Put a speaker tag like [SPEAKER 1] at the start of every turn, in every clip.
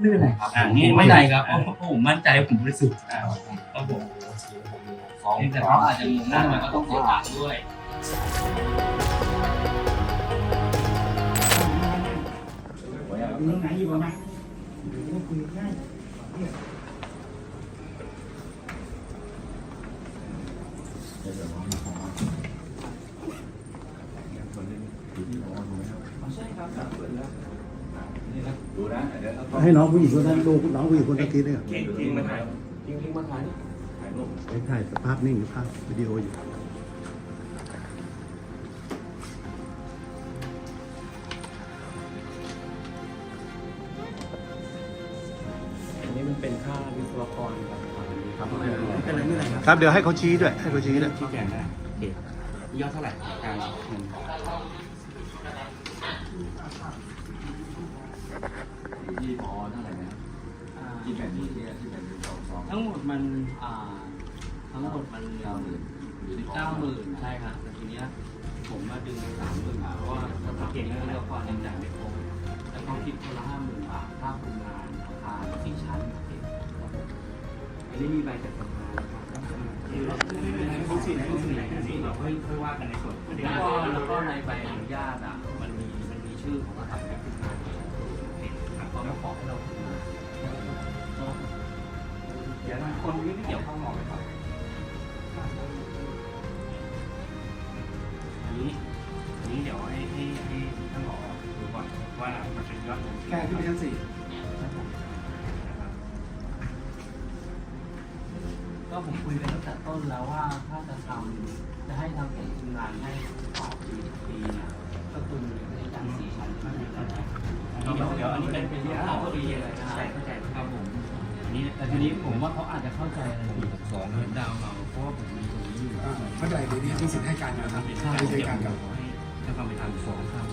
[SPEAKER 1] ไม่เป็นไรครับ
[SPEAKER 2] นี่
[SPEAKER 1] ไม่เป็นไรครับเพราะผมมั่นใจผมบริสุทธิ์ครับผมแต่เขาอาจจะงงว่าทำไมเขาต้องเสียตังค์ด้วย
[SPEAKER 3] ให้น้องผู้หญิงคนนั้นดูน้องผู้หญิงคนตะกี้เนี่ย
[SPEAKER 1] ทิ้งมาถ่ายทิ้งมาถ่ายรูป
[SPEAKER 3] ถ่ายภาพนิ่งหรือภาพวิดีโออยู่
[SPEAKER 2] อันนี้มันเป็นค่าวิศวกรครับไม่เป็นไรครับ
[SPEAKER 3] ครับเดี๋ยวให้เขาชี้ด้วยให้เขาชี้ด้วย
[SPEAKER 2] ชี้แจงได้โอเคยอดเท่าไหร่การเงิน
[SPEAKER 4] ที่พอเท่าไหร่นะที่แบบนี้ที่แบบนี้สอง
[SPEAKER 1] ทั้งหมดมันทั้งหมดมัน90,000ใช่ครับแต่ทีเนี้ยผมมาดึง30,000เพราะว่าเก่งแล้วละครยังจ่ายไม่ครบแล้วเขาคิดคนละ50,000 บาทค่าคุมงานอาคาร4 ชั้นอันนี้มีใบจัดสรรนะครับเราค่อยว่ากันในส่วนแล้วก็ในใบอนุญาตมันมีชื่อของสถาบันขึ้นมาเขามาขอให้เราขึ้นมาเดี๋ยวคนที่ไม่เกี่ยวข้องมองเลยครับอันนี้เดี๋ยวให้ท่านหมอดูก่อนว่ามันเป็นยอดแค่ที่ชั้น 4ก็ผมคุยกันตั้งแต่ต้นแล้วว่าถ้าจะให้ทำเป็นงานให้ต่อปีเนี่ยก็คือในการ4 ชั้นเดี๋ยวอันนี้เป็นเรื่องของปีเลยนะเข้าใจครับผมอันนี้แต่ทีนี้ผมว่าเขาอาจจะเข้าใจอะไรผิด2เหมือนดาวเราเพราะว่าผมมีตรงนี้อยู่
[SPEAKER 5] เข้าใจดีนี่มีสิทธิ์ให้การนะครับให้การกับ
[SPEAKER 1] จะทำไปทาง2ครับ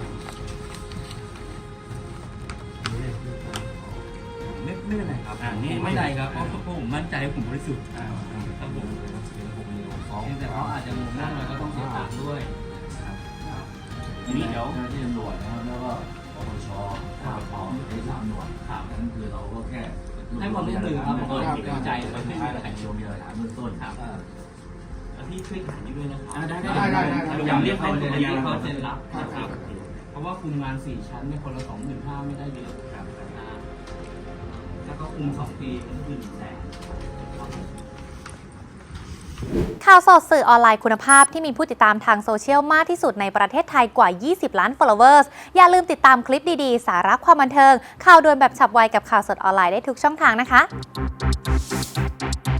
[SPEAKER 1] ไม่เป็นไรครับไม่เป็นไรครับเพราะผมมั่นใจผมบริสุทธิ์ครับผมแต่เขาอาจจะงงว่าทำไมเขาต้องเสียตังค์ด้วย
[SPEAKER 4] ทีนี้เดี๋ยวที่ตำรวจนะครับแล้วก็ปปชปปพที่3หน่วยนั้นคือเราก็แค่
[SPEAKER 1] ให้ความร่วมมือครับผมก็เกรงใจไม่เป็นไร
[SPEAKER 4] โยมมีหลักฐานเบื้องต้นครับ
[SPEAKER 1] พี่ช่วยถามนิดด้วยนะครับ
[SPEAKER 5] ได้
[SPEAKER 1] อย่างเรียกเขาเซ็นรับนะครับเพราะว่าคุมงาน4 ชั้นในคนละ25,000ไม่ได้เยอะครับแล้วก็คุม2 ปีมันคือ100,000
[SPEAKER 6] ข่าวสดสื่อออนไลน์คุณภาพที่มีผู้ติดตามทางโซเชียลมากที่สุดในประเทศไทยกว่า 20 ล้าน followers อย่าลืมติดตามคลิปดีๆ สาระความบันเทิง ข่าวด่วนแบบฉับไวกับข่าวสดออนไลน์ได้ทุกช่องทางนะคะ